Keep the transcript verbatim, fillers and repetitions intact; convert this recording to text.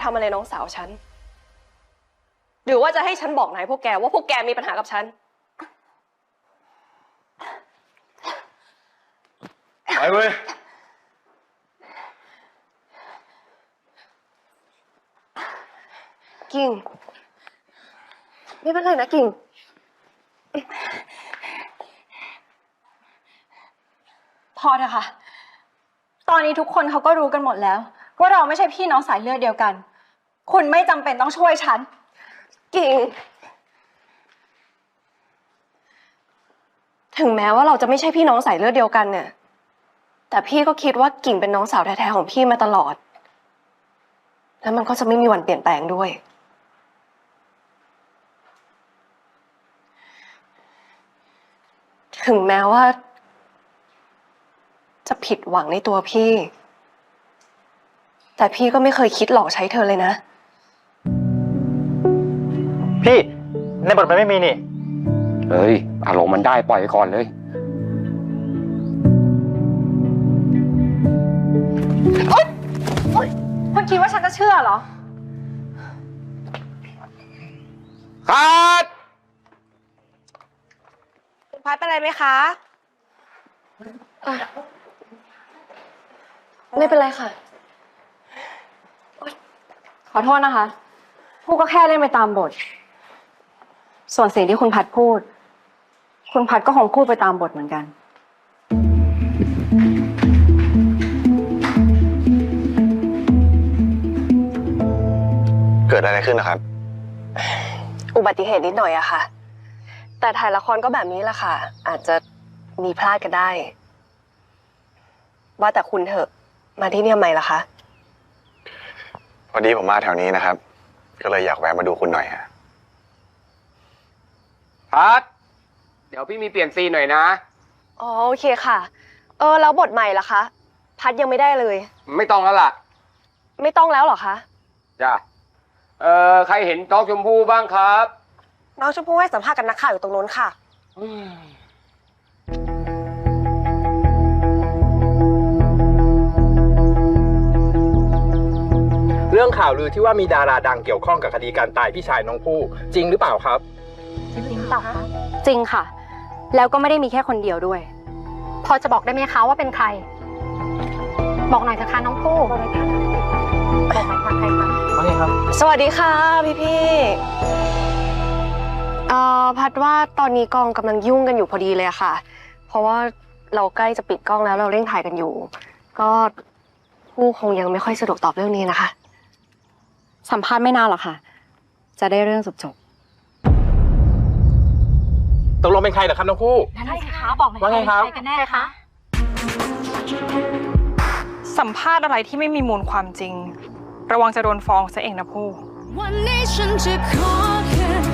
ทำอะไรน้องสาวฉันหรือว่าจะให้ฉันบอกนายพวกแกว่าพวกแกมีปัญหากับฉันไปเว้ยกิ่งไม่เป็นไรนะกิ่งพอเถอะค่ะตอนนี้ทุกคนเขาก็รู้กันหมดแล้วว่าเราไม่ใช่พี่น้องสายเลือดเดียวกันคุณไม่จำเป็นต้องช่วยฉันกิ่งถึงแม้ว่าเราจะไม่ใช่พี่น้องสายเลือดเดียวกันเนี่ยแต่พี่ก็คิดว่ากิ่งเป็นน้องสาวแท้ๆของพี่มาตลอดแล้วมันก็จะไม่มีวันเปลี่ยนแปลงด้วยถึงแม้ว่าจะผิดหวังในตัวพี่แต่พี่ก็ไม่เคยคิดหลอกใช้เธอเลยนะพี่ในบทมันไม่มีนี่เฮ้ยอารมณ์มันได้ปล่อยไปก่อนเลยโอ๊ยโอ๊ยคุณคิดว่าฉันจะเชื่อเหรอคัดคุณพัดเป็นไรไหมคะไม่เป็นไรค่ะขอโทษนะคะพูดก็แค่เล่นไปตามบทส่วนสิ่งที่คุณพัดพูดคุณพัดก็คงพูดไปตามบทเหมือนกันเกิดอะไรขึ้นนะครับอุบัติเหตุนิดหน่อยอะค่ะแต่ถ่ายละครก็แบบนี้แหละค่ะอาจจะมีพลาดกันได้ว่าแต่คุณเถอะมาที่นี่ทำไมล่ะคะพอดีผมมาแถวนี้นะครับก็เลยอยากแวะมาดูคุณหน่อยฮะพัดเดี๋ยวพี่มีเปลี่ยนซีนหน่อยนะอ๋อโอเคค่ะเออแล้วบทใหม่ล่ะคะพัดยังไม่ได้เลยไม่ต้องแล้วล่ะไม่ต้องแล้วเหรอคะจ้ะเอ่อใครเห็นน้องชมพู่บ้างครับน้องชมพู่ให้สัมภาษณ์กับนักข่าวอยู่ตรงนู้นค่ะเรื่องข่าวลือที่ว่ามีดาราดังเกี่ยวข้องกับคดีการตายพี่ชายน้องผู้จริงหรือเปล่าครับจริงเปล่าคะจริงค่ะแล้วก็ไม่ได้มีแค่คนเดียวด้วยพอจะบอกได้ไหมคะว่าเป็นใครบอกหน่อยเถอะค่ะน้องผู้บอกหน่อยค่ะใครคะว่าไงครับสวัสดีค่ะพี่พี่เอ่อพัดว่าตอนนี้กองกำลังยุ่งกันอยู่พอดีเลยค่ะเพราะว่าเราใกล้จะปิดกล้องแล้วเราเร่งถ่ายกันอยู่ก็ผู้คงยังไม่ค่อยสะดวกตอบเรื่องนี้นะคะสัมภาษณ์ไม่นานหรอกค่ะจะได้เรื่องจบจบตกลงเป็นใครเหรอครับน้องผู้ใช่ค่ะบอกหน่อยว่าไงครับใครกันแน่คะสัมภาษณ์อะไรที่ไม่มีมูลความจริงระวังจะโดนฟ้องซะเองนะผู้วันนี้ฉันจะขอแค่